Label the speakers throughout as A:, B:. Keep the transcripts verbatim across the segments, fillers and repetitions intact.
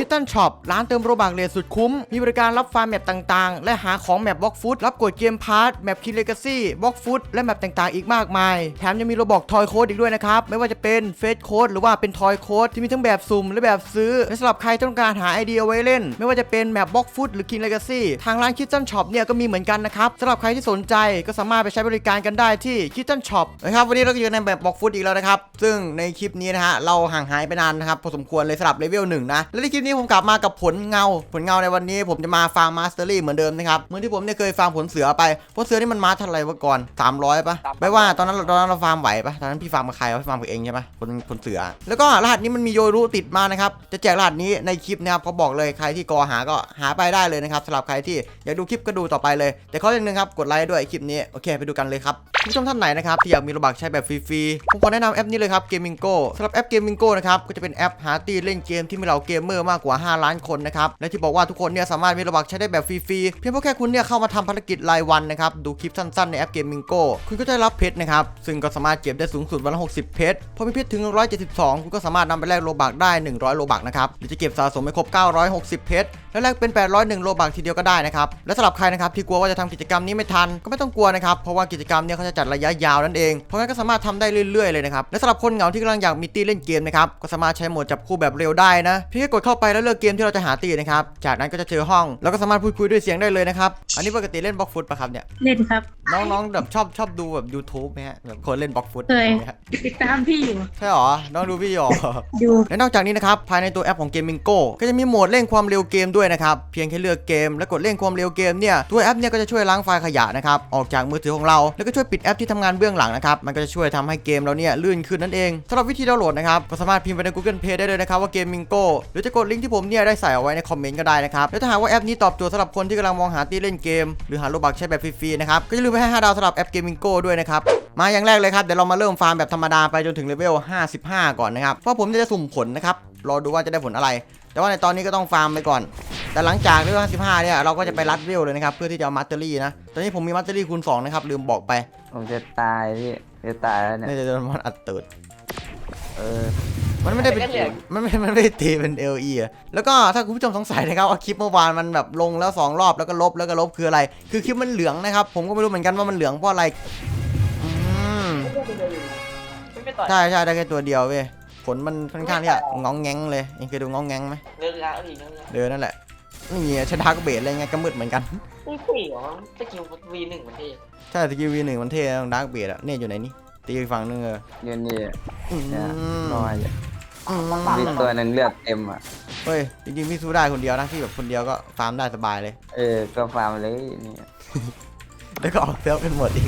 A: Kitten Shop ร้านเติมโรบักเลทสุดคุ้มมีบริการรับฟาร์มแมปต่างๆและหาของแมปบล็อกฟุตรับกดเกมพาร์ทแมปคินเลกาซี่บล็อกฟุตและแมปต่างๆอีกมากมายแถมยังมีโรบอกทอยโค้ดอีกด้วยนะครับไม่ว่าจะเป็นเฟสโค้ดหรือว่าเป็นทอยโค้ดที่มีทั้งแบบสุ่มและแบบซื้อและสำหรับใครต้องการหาไอเดียเอาไว้เล่นไม่ว่าจะเป็นแมปบล็อกฟุตหรือคินเลกาซี่ทางร้าน Kitten Shop เนี่ยก็มีเหมือนกันนะครับสำหรับใครที่สนใจก็สามารถไปใช้บริการกันได้ที่ Kitten Shop นะครับวันนี้เราก็อยู่ในแบบบล็อกฟุตอีกแล้วนะครับซึ่งในคลิปนี้นะฮะเราห่างหายไปนานนะครับพอสมควรเลยสำหรับเลเวลหนึ่งนะและในคลิปนี้ผมกลับมากับผลเงาผลเงาในวันนี้ผมจะมาฟาร์มมาสเตอรี่เหมือนเดิมนะครับเหมือนที่ผมเนี่ยเคยฟาร์มผลเสือไปผลเสือนี่มันมาเท่าไหร่วะก่อนสามร้อยป่ะไม่ว่าตอนนั้นตอนนั้นเราฟาร์มไหวป่ะตอนนั้นพี่ฟาร์มกับใครวะพี่ฟาร์มกับเองใช่ป่ะผลผลเสือแล้วก็รหัสนี้มันมีโยรุติดมานะครับจะแจกรหัสนี้ในคลิปนะครับเขาบอกเลยใครที่กอหาก็หาไปได้เลยนะครับสำหรับใครที่อยากดูคลิปก็ดูต่อไปเลยแต่ข้ออย่างนึงครับกดไลค์ด้วยคลิปนี้โอเคไปดูกันเลยครับผู้ชมท่านไหนนะครับที่อยากมีโรบักใช้แบบฟรีๆผมขอแนะนำแอปนี้เลยครับ Gamingo สำหรับแอป Gamingo นะครับก็จะเป็นแอปหาตีเล่นเกมที่มีเหล่าเกมเมอร์มากกว่าห้าล้านคนนะครับและที่บอกว่าทุกคนเนี่ยสามารถมีโรบักใช้ได้แบบฟรีๆเพียงเพราะแค่คุณเนี่ยเข้ามาทำภารกิจรายวันนะครับดูคลิปสั้นๆในแอป Gamingo คุณก็จะรับเพชรนะครับซึ่งก็สามารถเก็บได้สูงสุดวันละหกสิบเพชรพอมีเพชรถึงหนึ่งร้อยเจ็ดสิบสองคุณก็สามารถนำไปแลกโรบักได้หนึ่งร้อยโรบักนะครับหรือจะเก็บสะสมให้ครบเก้าร้อยหกสิบเพชรแล้วแลกเป็นแปดร้อยเอ็ดโรบักทีเดียวก็ได้นะครับและสำหรับใครนะครับที่กลัวว่าจะทำกิจกรรมนี้ไม่ทันก็ไม่ต้องกลัวนะครับเพราะว่ากิจกรรมเนี่ยเขาจะจัดระยะยาวนั่นเองเพราะงั้นก็สามารถทำได้เรื่อยๆเลยนะครับและสำหรับคนเหงาที่กำลังอยากมีตีเล่นเกมนะครับก็สามารถใช้โหมดจับคู่แบบเร็วได้นะเพียงแค่กดเข้าไปแล้วเลือกเกมที่เราจะหาตีนะครับจากนั้นก็จะเจอห้องแล้วก็สามารถพูดคุยด้วยเสียงได้เลยนะครับอันนี้ปกติเล่นบล็อกฟุตป่ะครับเนี่ย
B: เล่นครับ
A: น้องๆแบบชอบชอบดูแบบ YouTube ไหมฮะแบบคนเล่นบล็อกฟุต
B: เคยติดตามพี่อยู่
A: ใช่หรอน้องดูพี่หรอ
B: ดู
A: และนอกจากนี้นะครับภายในตัวแอปของ Gamingo ก็จะมีโหมดเร่งความเร็วเกมด้วยนะครับเพียงแค่เลือกเกมและกดเร่งความเร็วเกมเนี่ยตัวแอปเนี่ยก็จะช่วยล้างไฟล์ขยะนะครับออกจากมือถือของเราแล้วก็ช่วยปิดแอปที่ทำงานเบื้องหลังนะครับมันก็จะช่วยทำให้เกมเราเนี่ยลื่นขึ้นนั่นเองสำหรับวิธีดาวน์โหลดนะครับก็สามารถพิมพ์ไปใน Google Play ได้เลยนะครับว่า Gamingo หรือจะกดลิงก์ที่ผมเนี่ยได้ใส่เอาไว้ในคอมเมนต์ก็ได้นะครับแล้วถ้าหากว่าแอปนี้ตอบโจทย์สำหรับคนที่กำลังมองหาที่เล่นเกมหรือหาโลบักใช้แบบฟรีๆนะครับก็อย่าลืมไปให้ห้าดาวสำหรับแอป Gamingo ด้วยนะครับมาอย่างแรกเลยครับเดี๋ยวเรามาเริ่มฟาร์มแบบธรรมดาไปจนถึงเลเวลห้าสิบห้าก่อนนะครับเพราะผมจะสุ่มผลนะครับรอดูว่าจะได้ผลอะไรแต่ว่าในตอนนี้ก็ต้องฟาร์มไปก่อนแต่หลังจากเลเวลห้าสิบห้าเนี่ยเราก็จะไปรัดเวลเลยนะครับเพื่อที่จะเอามัตเตอรี่นะตอนนี้ผมมีมัตเตอรี่คูณสองนะครับลืมบอกไป
C: ผมจะตายพี่จะตายแล้วเนี่ย
A: นี่จะโดนมันอัดตืด
C: เออ
A: มันไม่ได้เป็นมันไม่มันไม่ได้ตีเป็น เอล อี อ่ะแล้วก็ถ้าคุณผู้ชมสงสัยนะครับว่าคลิปเมื่อวานมันแบบลงแล้วสองรอบแล้วก็ลบแล้วก็ลบคืออะไรคือคลิปมันเหลืองนะครับผมก็ไม่รู้เหมือนกันว่ามันเหลืองเพราะอะไรอืมใช่ใช่ได้แค่ตัวเดียวเว้ยผลมันค่อนข้างที่จะงองแงงเลยเองเคยดูงองแงงไหม
D: เดินแล้วอีก
A: เดินนั่นแหละนี่ใช้ดาร์กเบสอะไรเงี้ยก็มืดเหมือนกัน
D: ไม่สี่หรอสกิลวีหนึ่งมันเท่
A: ใช่สกิลวีหนึ่งมันเท่ดาร์กเบสอะเนี่ยอยู่ไหนนี่ตีอีกฝั่งนึงเออ
C: เงินนี่
A: เนี่ย
C: น้อยมีตัวนึงเลือดเต็มอ่ะ
A: เฮ้ยจริงๆพี่สู้ได้คนเดียวนะพี่แบบคนเดียวก็ฟาร์มได้สบายเลย
C: เออก็ฟาร์มเลยนี่
A: แล้วก็ออกเซลกันหมดอีก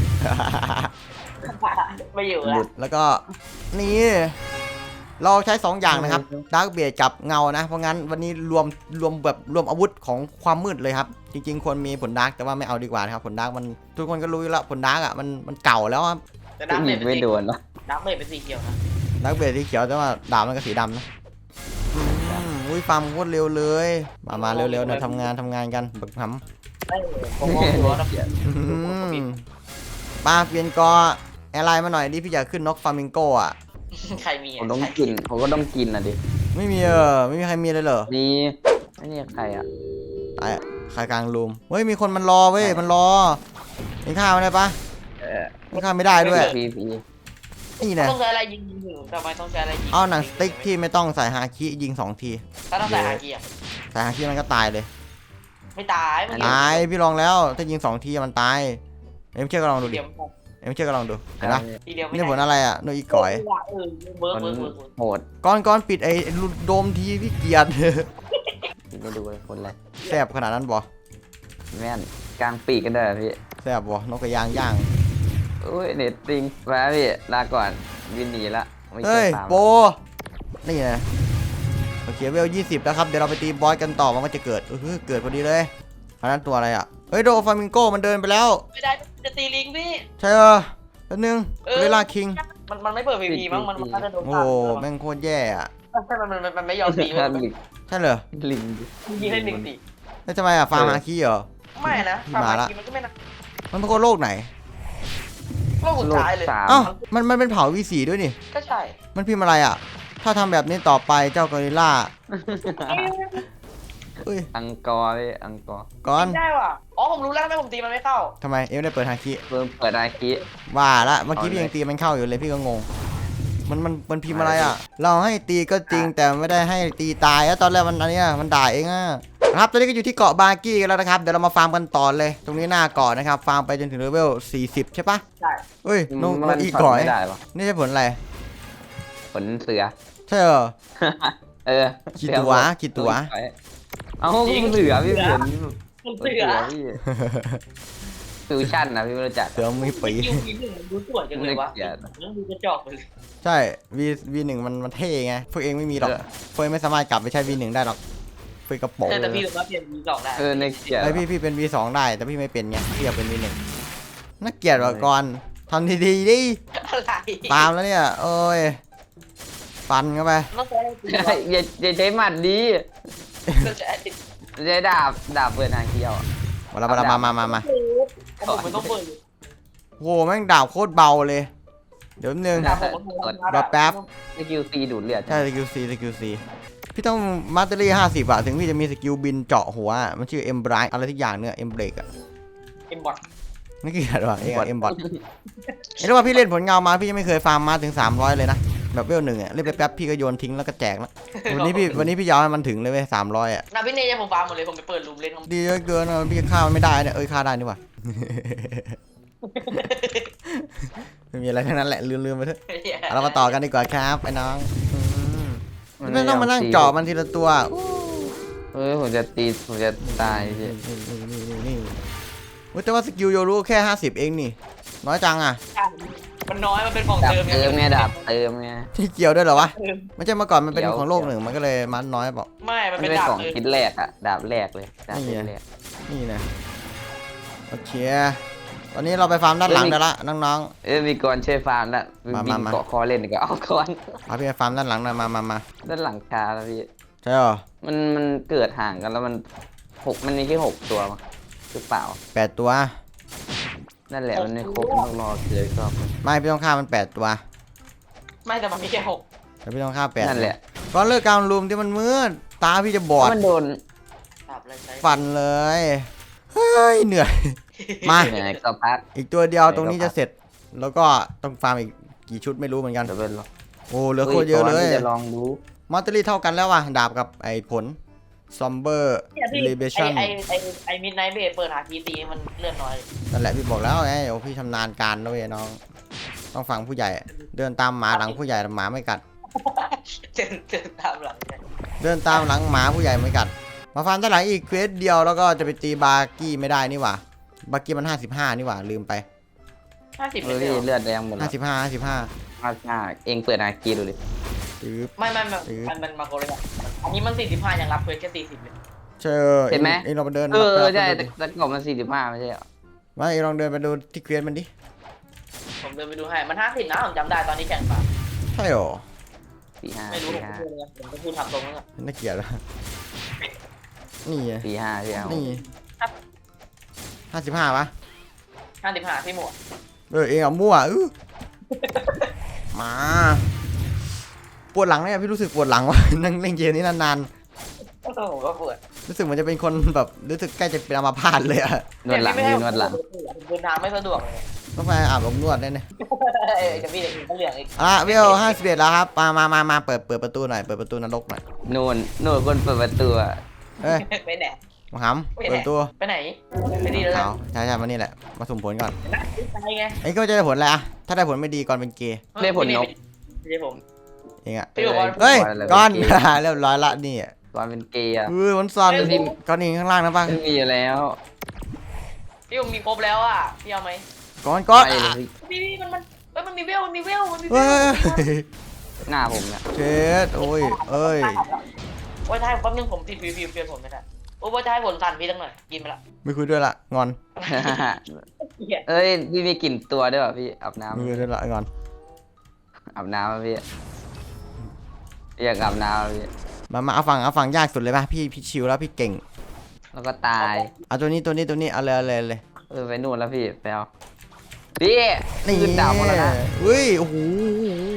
D: ไม่อยู่แล้ว
A: แล้วก็นี่เราใช้สองอย่างนะครับดาร์กเบสกับเงานะเพราะงั้นวันนี้รวมรวมแบบรวมอาวุธของความมืดเลยครับจริงๆควรมีผลดาร์กแต่ว่าไม่เอาดีกว่านะครับผลดาร์กมันทุกคนก็รู้อยู่แล้วผลดาร์กอ่ะมันมันเก่าแล้วครับ
D: แต่ดาร์กเบส
C: ไม่โดนหรอ
D: ดาร์กเบสเป็นสีเขียวนะ
A: ดาร์กเบสสีเขียวแต่ว่าดาบมันก็สีดำนะอุ้ยฟาร์มโคตรเร็วเลยมามาเร็วๆนะทำงานทำงานกันแบบทำป้าเปลี่ยนกออะไรมาหน่อยดิพี่อยากขึ้นนกฟามิงโกอ่ะ
D: ใครมี
C: ผมต้องกินผมก็ต้องกินอ่ะดิ
A: ไม่มีเออไม่มีใครมีเลยเหรอ
C: มีไม่นี่ใครอ่ะ
A: ไอ้ใครกลางรูมเฮ้ยมีคนมันรอเว้ยมันรอมีข้าวได้ปะมีข้าวไม่ได้ด้วยนี่นะ
D: ต้องใช้อะไรยิงยิงทำไมต้องใช้อะไรยิง
A: เอาหนังสติ๊กที่ไม่ต้องใส่ฮาคิยิงสองที
D: ถ้าต้องใส่ฮาคิอ่ะ
A: ใส่ฮาคิมันก็ตายเลย
D: ไม่ตาย
A: ตายพี่ลองแล้วถ้ายิงสองทีมันตายเอ็มเชื่อก็ลองดูดิเอ็มเชื่อก็ลองดูเห็นปะนี่ผลอะไรอ่ะโนอีก่อย
C: โหด
A: ก้อนก้อนปิดไอ้โดมทีพี่เกียร์
C: ไม่ดูเลยคนอะไร
A: แสบขนาดนั้นบ่
C: แม่นกลางปีกกันได้พี่
A: แสบบ่นกกระยางย่าง
C: อุ้ยเน็ตติงมาพี่ลาก่อนวินหนีละ
A: เฮ้ยโปนี่นะโอเคเวลยี่สิบแล้วครับเดี๋ยวเราไปตีบอสกันต่อมันก็จะเกิดเออเกิดพอดีเลยอันนั้นตัวอะไรอ่ะเฮ้ยโดฟามิงโกมันเดินไปแล้ว
D: ไม่ได้จะตีลิงพี่
A: ใช่เออแป๊บนึงเวลาคิง
D: มันมันไม่เปิดพีพีมั้งมันมันจะโดน
A: โอ้แม่งโคตรแย่อะ
D: ใช่มันมันมันไม่ยอมตี
A: ใช่เหรอ
C: ลิง
D: ยิงให้ลิงตี
A: แล้วทำไมอ่ะฟาร์มาคีเหรอ
D: ไม่นะฟาร์มาคีมันก็ไม่นะ
A: มันเป็นคนโลกไหน
D: โลกสุดท้ายเลย
A: อ้าวมันมันเป็นเผาวีสีด้วยนี่
D: ก็ใช่
A: มันพิมพ์อะไรอ่ะถ้าทำแบบนี้ต่อไปเจ้ากอริลล่าเอ้ย
C: อังกอร์พี่อังกอร์
A: ก่อน
D: ได้ว่ะอ๋อผมรู้แล้วทำไมผมตีมันไม่เข้า
A: ทำไมเอ็มได้เปิดฮาคิ
C: เพิ่มเปิดอาคิ
A: ว่าละเมื่อกี้
C: เอาเลย
A: พี่ยังตีมันเข้าอยู่เลยพี่ก็งง มันมันมันพิมพ์อะไรอ่ะ เราให้ตีก็จริงแต่ไม่ได้ให้ตีตายแล้วตอนแรกมันอันเนี้ยมันด่าเองอ่ะครับตอนนี้ก็อยู่ที่เกาะบาร์กี้กันแล้วนะครับเดี๋ยวเรามาฟาร์มกันต่อเลย ตรงนี้หน้าเกาะนะครับฟาร์มไปจนถึงเลเวลสี่สิบใช่ปะ
D: ใช่
A: เฮ้ยนกน
C: มั
A: กอี
C: ช็
A: ก่อย
C: ไม่ได้ปะ
A: นี่ใช่ผลอะไร
C: ผลเสือ
A: ใช่เหรอ
C: เออ
A: กี่ตัวกี่ตัว
C: เอาเสือพี่เสือ
D: ผม
C: เสื
D: เสือ
C: อพี่ฟิวชั่นนะพี่ไม่รู้จัก
A: เสือมีปี
D: คิววีหนึ่งดูสวยจังเลยวะ
C: เกลียด
D: มันดูกระจอกไปเลย
A: ใช่ V V หนึ่งมันมันเท่ไงพวกเองไม่มีหรอก
C: เออ
A: พวกเองไม่สามารถกลับไปใช้ V หนึ่งได้หรอกเพื่อกระโปรง
D: แต่พี่รู้ว่าเปลี่ยนวีสองได้
C: เออในเกลียด
A: ไอพี่พี่เป็น V สองได้แต่พี่ไม่เป็นไงพี่อยากเป็น V หนึ่งน่าเกลียดว่ะก่อนทำดีๆดิ
D: อะไร
A: ตามแล้วเนี่ยโอ้ยฟันเข้าไป
D: ต้องใช้ตีวะ
C: อย่าอย่าใช้หมัดดี
D: ต้องใช้
C: ใช้ดาบดาบเปิดทางเที่ยว
A: มาแล้วมาแล้วมามามามา
D: ผมมันต้องเปิด
A: โหแม่งดาบโคตรเบาเลย เดี๋ยวนึง
D: ดาบผมมัน
A: รอแป๊บ
C: สกิลซีดูดเลือด
A: ใช่สกิลซีสกิลซีพี่ต้องมาสเตอรี่ห้าสิบอะถึงพี่จะมีสกิลบินเจาะหัวอะมันชื่อเอ็มไบรท์อะไรทุกอย่างเนี่ยเอ็มเบรกอะ
D: เอ็มบอท
A: นี่เกลียดว่ะเองอะเอ็มบอทเห็นว่าพี่เล่นผลเงามาพี่ยังไม่เคยฟาร์มมาถึงสามร้อยเลยนะแบบเวลหนึ่งอะเล่นไปแป๊บพี่ก็โยนทิ้งแล้วก็แจกแล้ววันนี้พี่วันนี้พี่ยาวให้มันถึงเลยเว้ยสามร้อยอะ
D: นาพี่เนยผมฟาร์มหมดเลยผมไปเปิดรูมเล่นของ
A: ดีเหลือเกินอะพี่ฆ่ามันไม่ได้เนี่ยเอ้ยฆ่าได้นี่หว่า ไม่มีอะไรทั้งนั้นแหละลืมๆไปเถอะเอาเรามาต่อกันดีกว่าครับไอ้น้องอืมไม่ต้องมานั่งเจาะมันทีละตัว
C: เฮ้ยผมจะตีผมจะตายพี่
A: นี่นี่นี่นี่นี่เว้ยแต่ว่าสกิลโยรู้แค่ห้าสิบเองนี่น้อยจังอะ
D: มันน้อยมันเป็นของ
C: ดาบ
D: เติม
C: เติมไงดาบเติมไง
A: ที่เกี่ยวด้วยเหรอวะ
D: เติม
A: ไม่ใช่เมื่อก่อนมันเป็น
C: เกี่ยว
A: ของโลกหนึ่งมันก็เลยมันน้อยเปล่า
D: ไม่มัน
C: มัน
D: เป็น
C: เป็น
D: ดาบ
C: ของ
D: เติม
C: คิดแรกอะดาบแรกเลยดาบ
A: นี่ไง
C: แรก
A: นี่นะโอเคตอนนี้เราไปฟาร์มด้านหลังได้ละน้อง
C: เอ้ยมีกรช่วยฟาร์มแล้ว
A: มา
C: บิ
A: มาน มา
C: เกาะคอเล่นดีกว่าเอาก่อน
A: ๆเอาพี่ไปฟาร์มด้านหลังหน่อยมามามา
C: ด้านหลังคาแล้วพี่
A: ใช่เหรอ
C: มันมันเกิดห่างกันแล้วมันหกมันมีแค่หกตัวมั้งหรือเปล่า
A: แปดตัว
C: นั่นแหละมันไม่ครบต้องรอเกิดรอบนึง
A: ไม่พี่ต้องฆ่ามันแปดตัว
D: ไม่แต่มันมีแค่หก
A: แต่พี่ต้องฆ่าแปด
C: นั่นแหละ
A: ก่อนเลิกการรูมที่มันมืดตาพี่จะบอด
C: มันโดน
D: ดาบอะไรใช้
A: ฟันเลยเฮ้ยเหนื่อย มา
C: ยังไงก็พัก
A: อีกตัวเดียวตรงนี้จะเสร็จ แล้วก็ต้องฟาร์มอีกกี่ชุดไม่รู้เหมือนกัน
C: เดี๋ยวเป็นรอ
A: โอ้เหลือโคตรเยอะเลย
C: จะลองดู
A: มัตเตอรี่เท่ากันแล้วว่ะดาบกับไอ้ผลซอมเบอร์
D: เนี่ยพี่
A: เลเบชั่น
D: ไอไอไอไอมิดไนท์เบสเปิดหาทีตีมันเลื่อนน้อย
A: นั่นแหละพี่บอกแล้วไงโอ้พี่ชำนาญการด้วยน้อง ต้องฟังผู้ใหญ่ เดินตามหมาหลังผู้ใหญ่หมาไม่กัด
D: เจนเจนตามหลังเนี่ย
A: เดินตามหลังหมาผู้ใหญ่ไม่กัด มาฟันด้านหลังอีกเควสเดียวแล้วก็จะไปตีบาร์กี้ไม่ได้นี่หว่าบาร์กี้มันห้าสิบห้านี่หว่าลืมไป
D: ห้าสิบ
C: เอ
D: เล
C: อย พี่
D: เหรอ
C: เลือดแดงหมดแล้
A: ห้าว สิบห้าห้าสิบห้า
C: ห้าสิบห้าเองเปิดอาคีดูดิ
A: ตืบ
D: ไม่ไม่ไม่มันมันมาโกเลยอ่ะอันนี้มันสี่สิบห้ายังรับเควสแค่สี่สิบเลย
A: เชิญเอ็งเอ็งลองไปเดิน
C: เออ
A: ไป
C: ใช่
A: ไป
C: แต่
A: ดูดิ
C: แต่กล่องมันสี่สิบห้าไม่ใช่เหรอ
A: มาเอ็งลองเดินไปดูที่เควสมันดิ
D: ผมเดินไปดูให้มันห้าสิบนะผมจำได้ตอนนี้แข่งป่ะ
A: ใช่หรอ
C: สี่ห้า
D: ไม่รู้
C: สี่
D: ผม
C: ห้า
D: พูดเลยผมก็พูดทำตรงนั้น
A: น่าเกลียดละนี่ไง
C: สี่ห้าพี่เอา
A: นี่ห้าสิบห้าปะ
D: ห้าสิบห้าที่หมวด
A: เออเองเอามั่วอื้อมาปวดหลังเนี่ยพี่รู้สึกปวดหลังว่ะ นั่งเล่นเกมนี้นาน
D: ผมก็ปวด
A: ๆรู้สึกเหมือนจะเป็นคนแบบรู้สึกใกล้จะเป็นอัมพาตเลยอะ
C: นวดหลังพี่นวดหลัง
D: เดินทางไม่สะดวกเลย
A: ต้องไปอาบอบนวดได้เนี่ย
D: เอ้ยจะมีเด็กก็เหลืองอีก
A: อ่ะเวลห้าสิบเอ็ดแล้วครับมามามามาเปิดเปิดประตูหน่อยเปิดประตูนรกหน่อย
C: นู่นนู่นคนเปิดประตูอะ
A: เอ้ย
D: ไปไหน
A: มาหำเปิดประตู
D: ไปไหนไปดีแล้ว
A: ขาวใช่ใช่มานี่แหละมาสุ่มผลก่อน
D: นะไปไง
A: ไอ้ก็จะได้ผลอะไรอะถ้าได้ผลไม่ดีก่อนเป็นเกย์
C: ได้ผลนก
D: ไม่ใช่ผม
A: เองอะ
D: พี่บอกว่า
A: เฮ้ย
C: อะไร
A: ก่อน
C: เป็นเกย์
A: เรียบร้อยละนี่อะ
C: ตอนเป็นเกย์อะ
A: เออมันซ่อน
D: เฮ้ย
A: ก้อนนี้ข้างล่างนะป่ะ
C: ไม่มีอยู่แล้ว
D: พี่ผมมีครบแล้วอ่ะพี่เอาไหม
A: ก้อนก้อน
C: ไปเลยพี่
D: พี่พี่มันมันเอ้ยมันมีเวลมันมีเวลมันมีเว
A: เฮ้
D: ล
A: ย
C: หน้าผมเนี่ย
A: เช็ดโอ้ยเอ้ย
D: โอ้ยท้ายแป๊บนึงผมติดพีพีเปลี่ยนผมไม่ได้โอ้ยท้ายผลสั่นพี่ตั้งหน่อยกินไปละ
A: ไม่คุยด้วยละงอน
D: เหี้ย
C: เอ้ยพี่มีกลิ่นตัวด้วยป่ะพี่อาบน้
A: ไม่คุยด้วยละงอน
C: ำอาบน้ำป่ะพี่อยากอาบน้ำป่ะพี่
A: มามาเอาฝั่งเอาฝั่งยากสุดเลยป่ะพี่พี่ชิวแล้วพี่เก่ง
C: แล้วก็ตาย
A: เอาตัวนี้ตัวนี้ตัวนี้เอาเลยเอาเลยเอาเลย
C: เออไปนู่นแล้วพี่ไปเอาพี่
A: นี่
C: ขึ้นดาวหมดแล้วนะ
A: เฮ้ยโอ้โห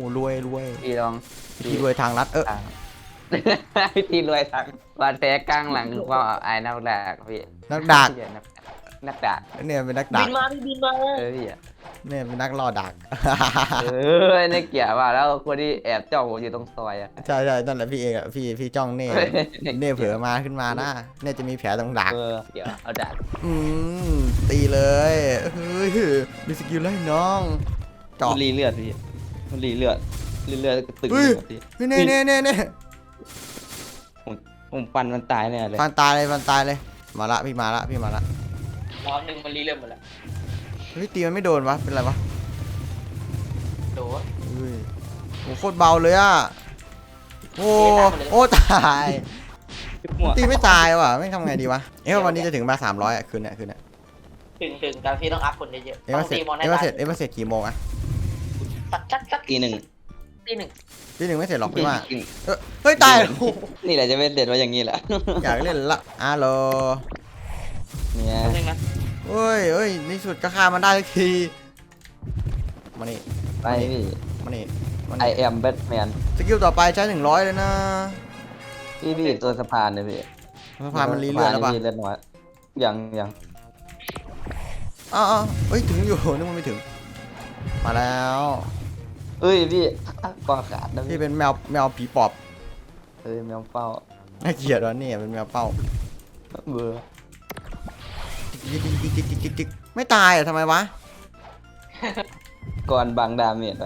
A: รวยรวย
C: พี่ลอง
A: พี่รวยทางรัฐเออ
C: อ่ะ พี่รวยทั้งวันแท้กลางหลังก็ไอ้นักดากพี่
A: นักดัก
C: พี่นักนักดาก
A: เนี่ยเป็นนักดั
D: บิ
A: ก
D: นมาพี่บินมา
C: เออพี่อะ
A: เนี่ยเป็นนักล่อดัก
C: เออในเกียร์ว่าแล้วคนที่แอบจ้องผมอยู่ตรงซอยอะ
A: ใช่ใช่นั่นแหละพี่เองอะพี่พี่จ้องเน่เน่เผลอมาขึ้นมานะเน่จะมีแผลตรงดัก
C: เออเดี๋ยวเอาดาก
A: อืมตีเลยเฮ้ยมีสกิลเลยน้องเจาะ
E: มันรีเลือดพี่มันรีเลือดรีเลือดก็ตึง
A: เฮ้ย
E: หมดพี่
A: เฮ้ยเน่เน่เน่เน่
E: ผมผมฟันมันตายแน่เลย
A: ฟันตายเลยฟันตายเลยมาละพี่มาละพี่มาละ
D: รอบหนึ่งมันรีเริ่มหมดแล้ว
A: เฮ้ยตีมันไม่โดนวะเป็นไรวะ
D: โดน
A: เฮ้ยโหโคตรเบาเลยอ่ะโอ้โอ้ตาย
E: มั่ว
A: ตีไม่ตายว่ะไม่ทำไงดีวะเอ๊ะวันนี้จะถึงมาสามร้อยอ่ะคืนเนี้ยคืนเนี้ย
D: ถึงถึงแต่พี่ต้องอัพคนเยอะๆ
A: เอ๊ะ
D: ต้อ
A: มาง เสร็จ
D: ตีมอนให้
A: เอ๊ะมา
D: ตาย
A: เสร็จเอ๊ะมาเสร็จกี่โมงอ่ะ
D: สักสักสัก
E: ตีหนึ่ง
D: ตีหนึ่ง
A: พี่หนึ่งไม่เสร็จหรอกพี่ว่าเอ้ยเฮ้ยตายโอ้โห
E: นี่แหละจะเป็นเด็ดว่าอย่างนี้แหละ
A: อยากเล่นละอาโล
E: เนี่ย
D: แป๊บนึงนะ
A: เฮ้ยเฮ้ยในสุดก็ฆ่ามันได้สักทีมานี่
E: ไปพี่
A: มานี่มา
E: I
A: นี่
E: am Batman
A: สกิลต่อไปใช้หนึ่งร้อยเลยนะ
E: พี่พี่ตัวสะพานเลยพี่
A: สะพานมันรีเลือดแล้วปะ
E: สะพานนี่เลือดน้อยยังยัง
A: อ้าวอ้าวเฮ้ยถึงอยู่นึกว่าไม่ถึง มาแล้ว
E: เอ้ยพี่ปอขาดนะ
A: พี่
E: พี่
A: เป็นแมวแมวผีปอบ
E: เอ้ยแมวเป้า
A: น่าเกลียดวะเนี่ยเป็นแมวเป้า
E: เบื่อ
A: จิกจิกจิกจิกจิกจิกจิกไม่ตายอ่ะทำไมวะ
E: ก่อนบางดาเมจไป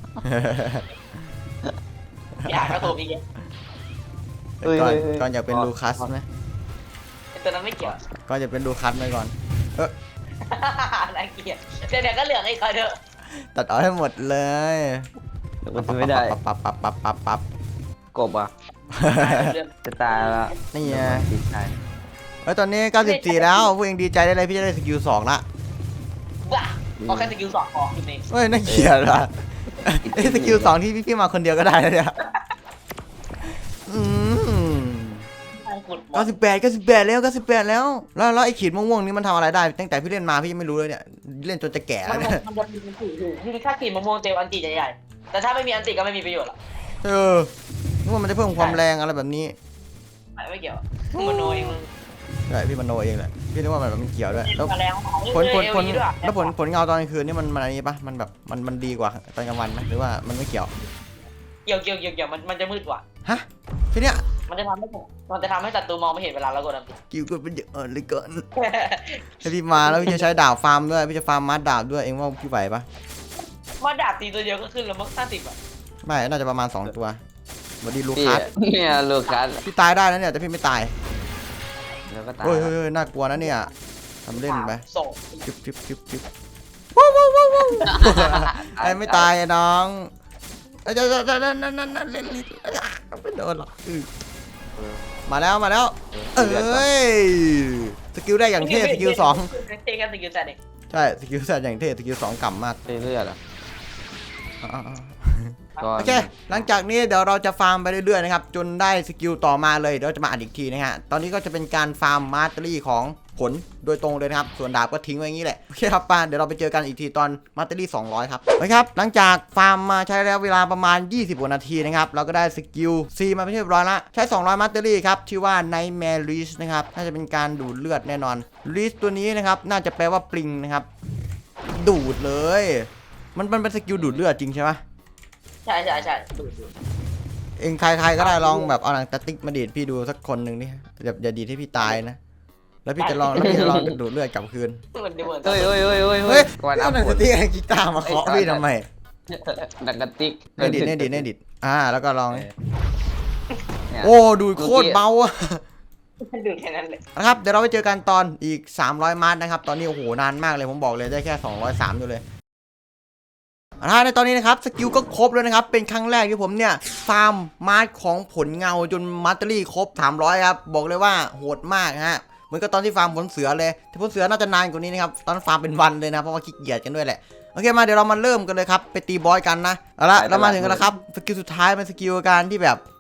D: อยากกระโถมอีกแล้ว
E: เฮ้ย
A: ก่อน
E: เฮ้ยเฮ้ย
A: ก่อนอยากเป็น
E: ก่อน
A: ลูคัสไหม
D: ไอ้ตัวนั้นไม่เกี่ยว
A: ก่อนอยากเป็นลูคัสไหมก่อน
D: น่าเกลียดเดี๋ยวเดี๋ยวก็เหลืองอีกคอยเถอะ
A: ตัดเอาให้หมดเลย
E: มันไม่ได้
A: ปับปับปับปับปับปับ
E: กบอ่ะ
D: เรื่อง
E: จะตายแล้ว
A: นี่ไง
E: ติดตาย
A: เฮ้ยตอนนี้เก้าสิบสี่แล้วพวกเองดีใจได้เลยพี่จะได้สกิลสองละ
D: บ้าเอาแค่สกิลสองพอคุณเอง
A: เฮ้ยน่าเกลียดว่ะไอ้ยสกิลสองที่พี่พี่มาคนเดียวก็ได้แล้วเนี่ยอืม
D: ใช่ขุดหม
A: เก้า
D: ด
A: สิบแปดเก้าสิบแปดแล้วเก้าสิบแปดแล้วแล้วแล้วไอ้ขีดม่วงๆนี่มันทำอะไรได้ตั้งแต่พี่เล่นมาพี่ยังไม่รู้เลยเนี่ยเล่นจนจะแก่
D: มั
A: แล้
D: น
A: วเนี่ย
D: มันจะมีอันติอยู่ที่ถ้าขีดมะม่วงเจลอันติใหญ่ๆแต่ถ้าไม่มีอันติก็ไม่มีประโยชน์หรอก
A: เออนึกว่ามันจะเพิ่มความแรงอะไรแบบนี้
D: ไม่เกี่ยวมันโนยมึง
A: ใช่พี่มโนเองแหละพี่นึกว่ามันแบบมันเกี่ยวด้วยแล้ว
D: มาแล้ว
A: ผลผลผลแล้วผลผลเงาตอนกลางคืนนี่มันมันอะไรนี้ปะมันแบบมันมันดีกว่าตอนกลางวันไหมหรือว่ามันไม่เกี่ยว
D: เกี่ยวเกี่ยวเกี่ยวเกี่ยวมันมันจะมืดกว่า
A: ฮะทีเนี้ย
D: มันจะทำให้มันจะทำให้ศัตรูมองไม่เห็นเวลาเรากดอันติ
A: กิ้วก็เป็นเยอะเลยเกินให้พี่มาแล้วพี่จะใช้ดาบฟาร์มด้วยพี่จะฟาร์มมัดดาบด้วยเองว่าพี่ไหวปะ
D: มาดาบตีตัวเดียวก็ขึ้นแล้วมั้งห้าสิบอ่ะ
A: ไม่น่าจะประมาณสองตัวสวัสดีลู
E: พี่
A: คัส
E: เนี่ยลูคัส
A: พี่ตายได้นะเนี่ยแต่พี่ไม่ตาย
E: แล้วก็ตาย
A: เฮ้ยเฮ้ยเฮ้ยน่ากลัวนะเนี่ยทำเล่นไป
D: ส่ง
A: จิ๊บจิ๊บจิ๊บจิ๊บว้าวว้าวว้าวว้าวไอ้ไม่ตายไอ้น้องไอ้เจ้าเจ้าเจ้านั่นนั่นนั่นนั่นเล่นเล่นไม่โดนหรอกอื้อมาแล้วมาแล้วเอ้ยสกิลได้อย่างเท่สกิลสอง
D: เท่กันสกิลแต่เด็ก
A: ใช่สกิลแซดอย่างเท่สกิลสองกำมาก
E: ไปเรื่อยๆเหรอ
A: อ่า
E: ก่อน
A: โอเคหลังจากนี้เดี๋ยวเราจะฟาร์มไปเรื่อยๆนะครับจนได้สกิลต่อมาเลยเดี๋ยวจะมาอัดอีกทีนะฮะตอนนี้ก็จะเป็นการฟาร์มมาสเตอรี่ของผลโดยตรงเลยนะครับส่วนดาบก็ทิ้งไว้อย่างนี้แหละโอเคครับป้าเดี๋ยวเราไปเจอกันอีกทีตอนมาสเตอรี่สองร้อยครับโอเคครับหลังจากฟาร์มมาใช้ระยะเวลาประมาณยี่สิบกว่านาทีนะครับเราก็ได้สกิล C มาเป็นที่เรียบร้อยละใช้สองร้อยมาสเตอรี่ครับชื่อว่า Nightmare Leash นะครับน่าจะเป็นการดูดเลือดแน่นอน Leash ตัวนี้นะครับน่าจะแปลว่าปลิงนะครับดูดเลยมันมันเป็นสกิลดูดเลือดจริงใช่ไหม
D: ใช่ใช่ใช่
A: เองใครๆก็ได้ลองแบบเอาหนังสติ๊กมาดีดพี่ดูสักคนหนึ่งนี่อย่าอย่าดีดให้พี่ตายนะแล้วพี่จะลองแล้วพี่จะลองดูดเลือดกลับคืน
D: เหมือนเดิมเหมือน
E: เฮ้ยเฮ้ยเฮ้ยเฮ้ย
A: เฮ้ย
E: วันอั
A: เอา
E: พ
A: หนัง
E: ผ
A: ส
E: ล
A: ติ๊กไอ้กีตาร์มาเคาะพี่ทำไม
E: ดักกระติก
A: เน่ดิดเน่ดิดเน่ดิดอ่าแล้วก็ลอง
E: เนี่ย
A: โอ้ดูดโคตรเบาอะ
D: ดูแค่นั้นเลย
A: นะครับเดี๋ยวเราไปเจอกันตอนอีกสามร้อยมาร์ทนะครับตอนนี้โอ้โหนานมากเลยผมบอกเลยได้แค่สองร้อยสามอยู่เลยอ่าในตอนนี้นะครับสกิลก็ครบแล้วนะครับเป็นครั้งแรกที่ผมเนี่ยฟาร์มมาร์ทของผลเงาจนมาสเตอรี่ครบสามร้อยครับบอกเลยว่าโหดมากฮะเหมือนกับตอนที่ฟาร์มผลเสือเลยแต่ผลเสือน่าจะนานกว่านี้นะครับตอนนั้นฟาร์มเป็นวันเลยนะเพราะว่าขี้เกียจกันด้วยแหละโอเคมาเดี๋ยวเรามาเริ่มกันเลยครับไปตีบอสกันนะเอาละเรามาถึงกันแล้วครับสกิลสุดท้ายเป็นสกิลการที่แบบ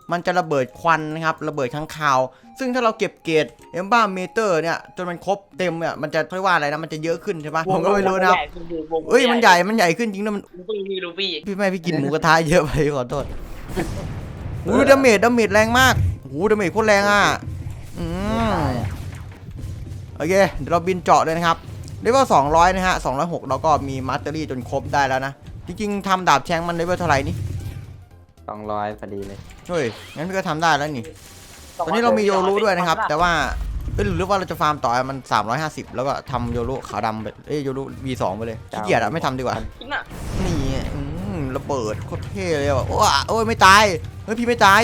A: มันจะระเบิดควันนะครับระเบิดข้างคาว ซึ่งถ้าเราเก็บเกรดเอมบ้าเมเตอร์เนี่ยจนมันครบเต็มเนี่ยมันจะเรียกว่าอะไรนะมันจะเยอะขึ้นใช่ปะผมก็ไม่รู้นะครับเอ้ยมันใหญ่มันใหญ่ขึ้นจริงนะมัน
D: ลูฟี่ลูฟี่
A: พี่ไม่พี่กินหมูกระทะเยอะไปขอโทษหูดาเมจดาเมจแรงมากหูดาเมจโคตรแรงอ่ะอืมโอเคเดี๋ยวเราบินเจาะเลยนะครับเลเวลสองร้อยนะฮะสองร้อยหกเราก็มีมาสเตอรี่จนครบได้แล้วนะจริงๆทำดาบแชงมันเลเวลเท่าไหร่นี่
E: สองร้อยพอดีเลย
A: เฮ้ยงั้นพี่ก็ทำได้แล้วนี่ตอนนี้เรามีโยรุด้วยนะครับแต่ว่าเอ้ยหรือว่าเราจะฟาร์มต่อมันสามร้อยห้าสิบแล้วก็ทำโยรุขาวดำไปเอ้ยโยรุ วี สอง ไปเลยขี้เกียจอะไม่ทำดีกว่า
D: จริงอ่ะ
A: นี่อืมระเบิดโคตรเท่เลยว่ะโอ้ยโอ้ยไม่ตายเฮ้ยพี่ไม่ตาย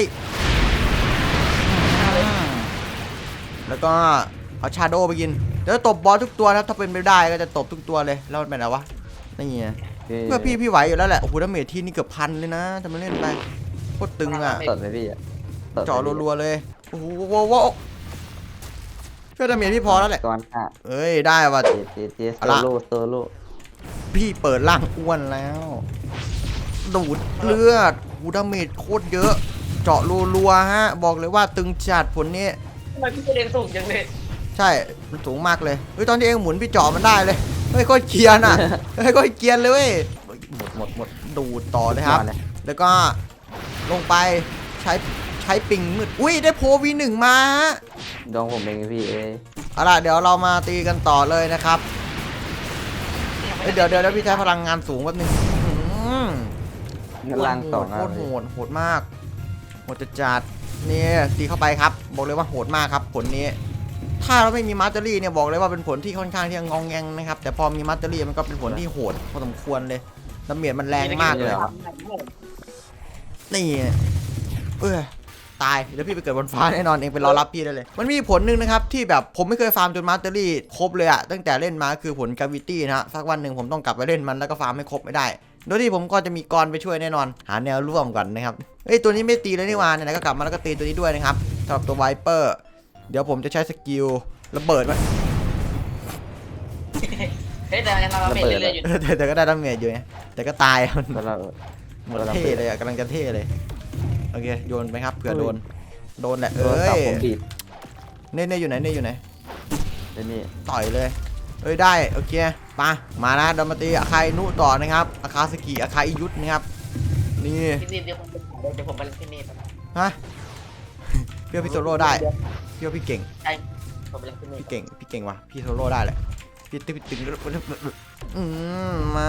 A: อืมแล้วก็เอาชาโดว์ไปกินเดี๋ยวตบบอสทุกตัวนะถ้าเป็นไปได้ก็จะตบทุกตัวเลยแล้วมันเป็นอะไรวะนี่ไงเพื่อพี่พี่ไหวอยู่แล้วแหละโอ้โหดาเมจที่นี่เกือบพันเลยนะจะมาเล่นไปโคตรตึงอ่ะ
E: สดเลยพี่อะสด
A: เจาะรัวๆเลยโอ้โหโว้โหเพื่อดาเมจพี่พอแล้วแหละ
E: ก่อนค่ะ
A: เอ้ยได้ว่ะ
E: เจเจเจโซ
A: เอาละ
E: โล่โซโล่
A: พี่เปิดร่างอ้วนแล้วดูดเลือดหูดาเมจโคตรเยอะ เจาะรัวๆฮะบอกเลยว่าตึงจัดผลนี้
D: ทำไมพี่เรียนสูงจังเลย
A: ใช่มันสูงมากเลยเฮ้ยตอนที่เองหมุนพี่เจาะมันได้เลยเฮ้ยโคตรเกรียนอ่ะเฮ้ยโคตรเกรียนเลยเว้ยหมดหมดหมดดูดต่อเลยครับ
E: มาเลย
A: แล้วก็ลงไปใช้ใช้ปิงมืดอุ้ยได้โพวีหนึ่งมาฮะ
E: ดองผมเองพี่เอ้ย
A: เอาล่ะเดี๋ยวเรามาตีกันต่อเลยนะครับเอ้ยเดี๋ยวเดี๋ยวเดี๋ยวพี่ใช้พลังงานสูงแป๊บนึงอื้อหือ
E: เงินล่างสอง
A: โคตรโหดโหดมากโหดจัดจัดนี่ตีเข้าไปครับบอกเลยว่าโหดมากครับผลนี้ ถ้าเราไม่มีมาสเตอรี่เนี่ยบอกเลยว่าเป็นผลที่ค่อนข้างที่จะงองแงงนะครับแต่พอมีมาสเตอรี่มันก็เป็นผลที่โหดพอสมควรเลยดาเมจมันแรงมากเลยนี่เออตายเดี๋ยวพี่ไปเกิดบนฟ้าแน่นอนเองเป็นรอรับพี่ได้เลย มันมีผลหนึ่งนะครับที่แบบผมไม่เคยฟาร์มจนมาสเตอรี่ครบเลยอะตั้งแต่เล่นมาคือผลกาวิตี้นะฮะสักวันหนึ่งผมต้องกลับไปเล่นมันแล้วก็ฟาร์มให้ครบไม่ได้โดยที่ผมก็จะมีกรไปช่วยแน่นอนหาแนวร่วมก่อนนะครับเอ้ยตัวนี้ไม่ตีเลยนี่หว่าไหนๆก็กลับมาแล้วก็ตีตัวนี้ด้วยนะครับสำหรับตัวไวเปอร์เดี๋ยวผมจะใช้สกิลระเบิดมัน
D: เฮ้ยแต่ยังเราเมทเรื่อยๆอยู่
A: เออแต่แต่ก็ได้ดาเมจอยู่ไงแต่ก็ตายมัน
E: ตัวเรา
A: หมดเท่เลยอะกำลังจะเท่เลยโอเคโยนไปครับเผื่อโดนโดนแหละ
E: เอ
A: เอ้
E: อย ผมบีบ
A: เน่เน่อยู่ไหนเน่อยู่ไหน
E: เดี๋ยวนี้
A: ต่อยเลยเอ้ยได้โอเคมามานะเดยวมาตีอาคาอินุต่อนะครับอาคาสกิอาคาอิยุทธนะครับนี่
D: พี่นี่เดี๋ยวผมเดี๋ยวผมไปเล่นที่นี่
A: ฮะเพี่พี่โซโล่ได้พี่ว่าพี่เก่ง
D: ใช่ผมไปเล่นที่นี่
A: พี่เก่งพี่เก่งว่ะพี่โซโล่ได้แหละพี่ตึงตึงอืมมา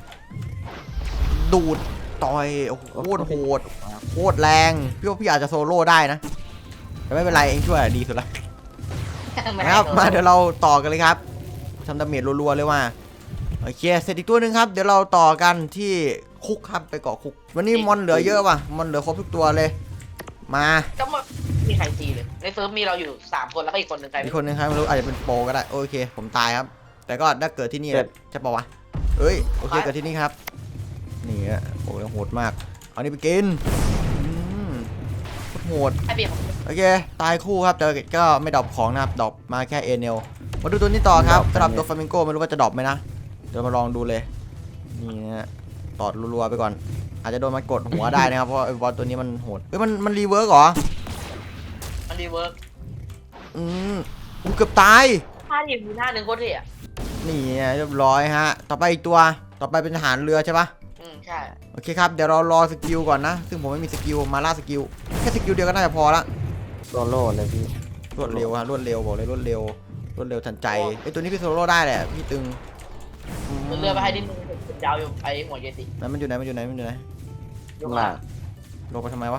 A: ดูดต่อยโอ้โหโคตรโหดโคตรแรงพี่ว่าพี่อาจจะโซโล่ได้นะแต่ไม่เป็นไรเองช่วยดีสุดละนะครับมาเดี๋ยวเราต่อกันเลยครับทำดาเมจรัวๆเลยว่าโอเคเสร็จอีกตัวหนึ่งครับเดี๋ยวเราต่อกันที่คุกครับไปเกาะคุกวันนี้มอนเหลือเยอะว่ะมอนเหลือครบทุกตัวเลยมา
D: ก็ไม่มีใครตีเลยในเซิร์ฟมีเราอยู่สามคนแล้วก็อีกคนหนึ่งใคร
A: อีกคนนึงครับไม่รู้อาจจะเป็นโปรก็ได้โอเคผมตายครับ แต่ก็ได้เกิดที่นี่แหละใช่ปะวะเอ้ยโอเคเกิดที่นี่ครับนี่ฮะโอ้ยโหดมากเอานี่ไปกินอืมโหด
D: ไอเบียร์ผม
A: โอเคตายคู่ครับแต่ก็ไม่ดรอปของนะครับดรอปมาแค่เอเนลมาดูตัวนี้ต่อครับสำหรับตัวฟลามิงโกไม่รู้ว่าจะดรอปไหมนะเดี๋ยวมาลองดูเลยนี่นะฮะตอดรัวๆไปก่อน อาจจะโดนมันกดหัวได้นะครับเพราะไอ้บอลตัวนี้มันโหดเฮ้ยมันมันรีเวิร์กเหรอ
D: มันรีเวิร์ก
A: อืมกูเกือบตาย
D: ท่าหยิบมีหน้าหนึ่งโคตรเท่อะ
A: นี่เรียบร้อยฮะต่อไปอีกตัวต่อไปเป็นทหารเรือใช่ปะ
D: อืมใช่
A: โอเคครับเดี๋ยวเรารอสกิลก่อนนะซึ่งผมไม่มีสกิลมาล่าสกิลแค่สกิลเดียวก็น่าจะพอละ
E: โซโล่เลยพี่
A: รวดเร็วฮะรวดเร็วบอกเลยรวดเร็วรวดเร็วทันใจไอ้ตัวนี้พี่โซโล่ได้แหละพี่ตึงม
D: เรือไปให้ดินผมยาวอยู่ไอหัวเยติ
A: ไหนมันอยู่ไหนมันอยู่ไหนมันอยู่ไหน
D: ยกมา
A: ลงไปทำไมวะ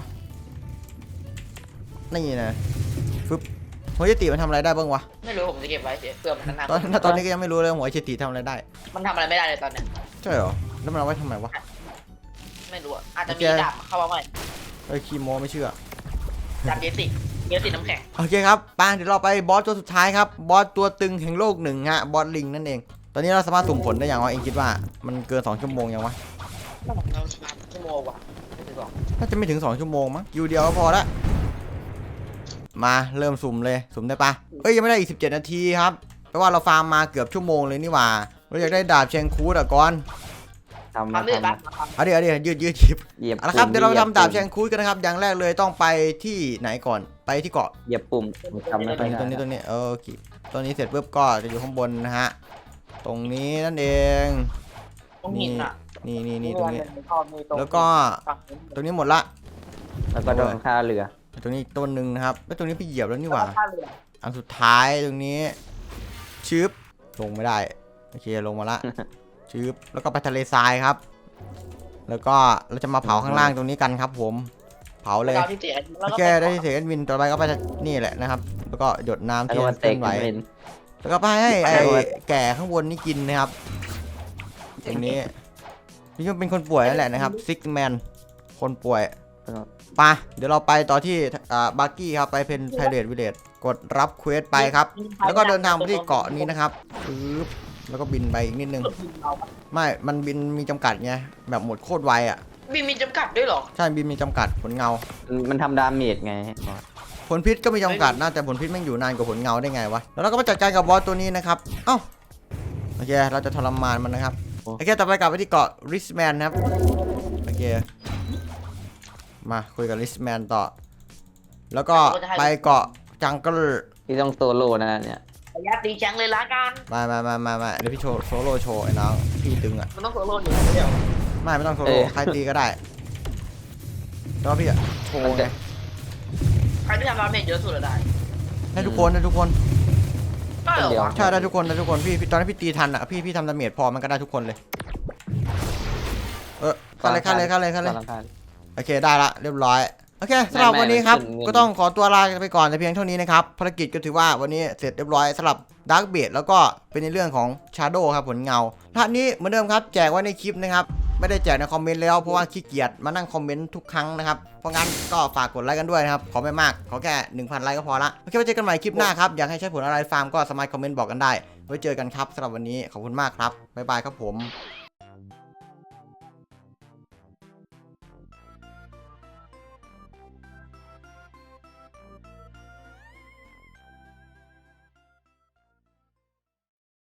A: นี่นะฟึบหัวเจติมันทำอะไรได้บ้างวะ
D: ไม่รู้ผมจะเก็บไว้เสียเพื่อมันนาน
A: ตอนตอนนี้ก็ยังไม่รู้เลยหัวเจติทำอะไรได้
D: มันทำอะไรไม่ได้เลยตอนเนี้ย
A: ใช่เหรอแล้วมันเอาไว้ทำไมวะ
D: ไม่รู้อะอาจจะมีดาบเข้ามาใหม่
A: เอ้ยคีโมไม่เชื่อ
D: ดาบเยติเยติน้ำแข็ง
A: โอเคครับไปเดี๋ยวเราไปบอสตัวสุดท้ายครับบอสตัวตึงแห่งโลกหนึ่งฮะบอสลิงนั่นเองตอนนี้เราสามารถสุ่มผลได้อย่างวะเองคิดว่ามันเกินสองชั่วโมงยังวะ
D: เราสมาร์ทชั่วโมงว่ะไม่ถึงหรอก
A: น่าจะไม่ถึงสองชั่วโมงมั้งอยู่เดียวก็พอละมาเริ่มสุ่มเลยสุ่มได้ปะเอ้ยยังไม่ได้อีกสิบเจ็ดนาทีครับแปลว่าเราฟาร์มมาเกือบชั่วโมงเลยนี่หว่าเราอยากได้ดาบเชงคูดอะก่อน
C: ทำมา
D: ทำด้วย
C: ทำ
D: ปะ
C: มา
A: เอาเดี๋ยวเอาดี๋ยวยืดยืดหยิบ
C: เหยียบ
A: เอาละครับ
C: ปุ่ม
A: เดี๋ยวเรา
C: ห
A: ไป
C: ยีย
A: ทำดาบ
C: ปุ่ม
A: แชงคุยกันนะครับ อย่างแรกเลยต้องไปที่ไหนก่อนไปที่เกาะ
C: เหยียบปุ่มผมจำไม่
A: ต
C: ค่
A: ร
C: อย
A: งนี้
C: ได้
A: ตรงนี้ตรงนี้เออโอเคตรงนี้เสร็จปุ๊บก็จะอยู่ข้างบนนะฮะตรงนี้นั่นเอง
D: ต้องหินอ่ะ
A: นี่นี่นี่ตรงนี้
D: ตรง
A: แล้วก็ตรงนี้หมดละ
C: แล้วก็โดนค่าเรือ
A: ตรงนี้อีกต้นหนึ่งนะครับแล้วตรงนี้พี่เหยียบแล้วนี่หว่า
D: ท่าเรือ
A: อันสุดท้ายตรงนี้ชืบลงไม่ได้โอเคลงมาละชืบแล้วก็ไปทะเลทรายครับ แล้วก็เราจะมาเผาข้างล่างตรงนี้กันครับ ผมเผาเลย
D: ดาวที่เสียแล้ว
A: โอ
D: ก็
A: เคได้ที่เสียงวินต่อไปก็ไปนี่แหละนะครับ แล้วก็หยดน้ำ
C: แล้ว
A: เทีย
C: ก็
A: น
C: เต
A: เคลื่อนไหว
C: เป็น
A: แล้วก็ไปให้ไอ้
C: แล้วก็
A: แก่ข้างบนนี่กินนะครับตรงนี้นี่ก็เป็นคนป่วยนั่นแหละนะครับซิกแมนคนป่วยไปะเดี๋ยวเราไปต่อที่อ่าบาร์กี้ครับไปเป็นไพเรตวิลเลจกดรับเควสไปครับ แล้วก็เดินทางไปที่เกาะนี้นะครับปึ๊บแล้วก็บินไปอีกนิดนึงไม่ มันบินมีจำกัดไงแบบหมดโคตรไวอ่ะ
D: บินมีจำกัดด้วยเหรอ
A: ใช่บินมีจำกัดผลเงา
C: มันทำดาเมจไง
A: ผลพิษก็มีจำกัดนะแต่ผลพิษแม่งอยู่นานกว่าผลเงาได้ไงวะแล้วเราก็มาจัดการกับบอสตัวนี้นะครับเอ้าโอเคเราจะทรมานมันนะครับโอเคต่อไปกลับไปที่เกาะริสแมนครับโอเคมาคุยกับริสแมนต่อ แล้วก็ไปเกาะจังเกิล
C: ที่ต้องโซโล่นะเนี่ย
D: ระยะตีแชงเลยละกัน
A: มามามามามาเดี๋ยวพี่โชว์โซโล่โชว์ไอ้น้องพี่ตึงอ่ะ
D: มันต้องโซโล่อยู่แล้วเดี๋ยว
A: ไม่ไม่ต้องโซโล่ใครตีก็ได้แต่ว่าพี่อะโชว์ไง
D: ใครที่ทำดาเมจเยอะสุดอะได้
A: ให้ทุกคนให้ทุกคน
D: ก็เหรอวะ
A: ใช่ได้ทุกคนได้ทุกคนพี่พี่ตอนนั้นพี่ตีทันอ่ะพี่พี่ทำดาเมจพอมันก็ได้ทุกคนเลยเออเข้าเลยเข้าเลยเข้าเลยเข้าเลย
C: กำงข้
A: โอเคได้ละเรียบร้อยโอเคสำหรับ
C: ไม่
A: วันนี้ครับ
C: ไม่
A: ก็ต้องขอตัวลาไปก่อนแต่เพียงเท่านี้นะครับภารกิจก็ถือว่าวันนี้เสร็จเรียบร้อยสำหรับดาร์กเบดแล้วก็เป็นในเรื่องของชาโดว์ครับผลเงาท่านนี้เหมือนเดิมครับแจกไว้ในคลิปนะครับไม่ได้แจกในคอมเมนต์แล้วเพราะว่าขี้เกียจมานั่งคอมเมนต์ทุกครั้งนะครับเพราะงั้นก็ฝากกดไลค์กันด้วยนะครับขอไม่มากขอแค่ หนึ่งพัน ไลค์ก็พอละโอเคไว้เจอกันใหม่คลิปหน้าครับอยากให้ใช้ผลอะไรฟาร์มก็สามารถคอมเมนต์บอกกันได้ไว้เจอกันครับสำหรับวันนี้ขอบคุณมากครับบ๊ายบายครับผม